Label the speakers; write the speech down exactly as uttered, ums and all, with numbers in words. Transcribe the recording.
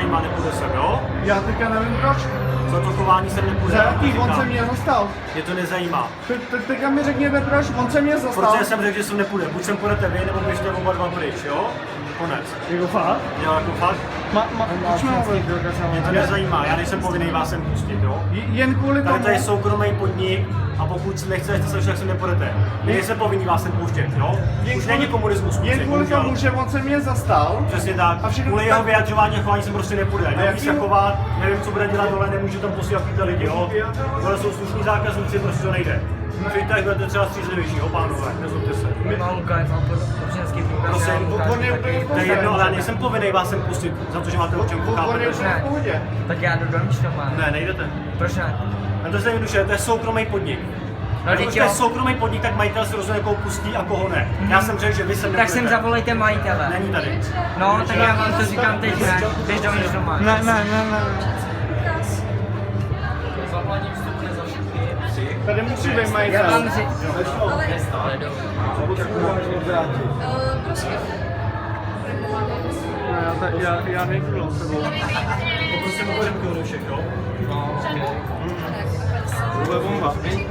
Speaker 1: nezajímá, nepůjde sem, jo?
Speaker 2: Já teďka nevím proč.
Speaker 1: Za to chování sem nepůjde.
Speaker 2: Za jaký? On
Speaker 1: říkám.
Speaker 2: se mě zastal.
Speaker 1: Mě to nezajímá.
Speaker 2: Te, te, teďka mi řekněte proč, on se mě zastal.
Speaker 1: Protože jsem řekl, že sem nepůjde. Buď sem půjdete vy, nebo běžte oba dva pryč, jo? Konec.
Speaker 2: Jako fakt?
Speaker 1: Jo, jako fakt.
Speaker 2: Ma, ma, počme mluvit.
Speaker 1: Mě to nezajímá, já nejsem povinný vás sem pustit, jo?
Speaker 2: Jen kvůli tomu.
Speaker 1: Tady to je soukromý podnik a pokud nechcete se však sem nepůjdete. My nejsem povinný vás sem pouštět, jo? Už není komunismus.
Speaker 2: Jen kvůli tomu, že on se mě zastal.
Speaker 1: Přesně tak.
Speaker 2: A všechno
Speaker 1: Kvůli
Speaker 2: tak-
Speaker 1: jeho vyjadřování a chování sem prostě nepůjde. Neví
Speaker 2: jaký-
Speaker 1: se chovat, nevím, co bude dělat dole, nemůžu tam posílat tyhle lidi, jo? Tohle jsou slušní zákazníci, prostě to nejde. Přijďte, budete třeba střízlivější, jo, pánové, nezlobte se.
Speaker 3: Má Lukáš, má občanský průkaz.
Speaker 1: Prosím,
Speaker 3: já Lukáš
Speaker 2: on je
Speaker 3: taky.
Speaker 2: úplně-
Speaker 1: To je jedno, ale já nejsem povinný vás sem pustit za to, že máte občanku,
Speaker 2: On je
Speaker 1: chápete?
Speaker 2: úplně v pohodě.
Speaker 3: Tak já jdu do Míšťova.
Speaker 1: Ne, nejdete.
Speaker 3: Proč ne?
Speaker 1: A to je jednoduše, to je soukromý podnik.
Speaker 3: No,
Speaker 1: Když
Speaker 3: teď
Speaker 1: to je
Speaker 3: jo.
Speaker 1: soukromý podnik, tak majitel si rozhodne, koho pustí a koho ne. Já jsem řekl, že vy sem
Speaker 3: Tak sem
Speaker 1: nepůjdete.
Speaker 3: zavolejte majitele.
Speaker 1: Není tady.
Speaker 3: No, tak já vám to říkám teď, ne? Běž do Míšťova.
Speaker 2: Ne, ne, ne, ne.
Speaker 3: Zaplatím vstup za všechny.
Speaker 2: Tady musí být
Speaker 3: Já
Speaker 2: majitel.
Speaker 3: vám říkám.
Speaker 2: Ne, já, ta- já, já nejdu s tebou.
Speaker 1: Poprosím o pořádku do všech, jo?
Speaker 3: No, okay.
Speaker 2: To bude bomba.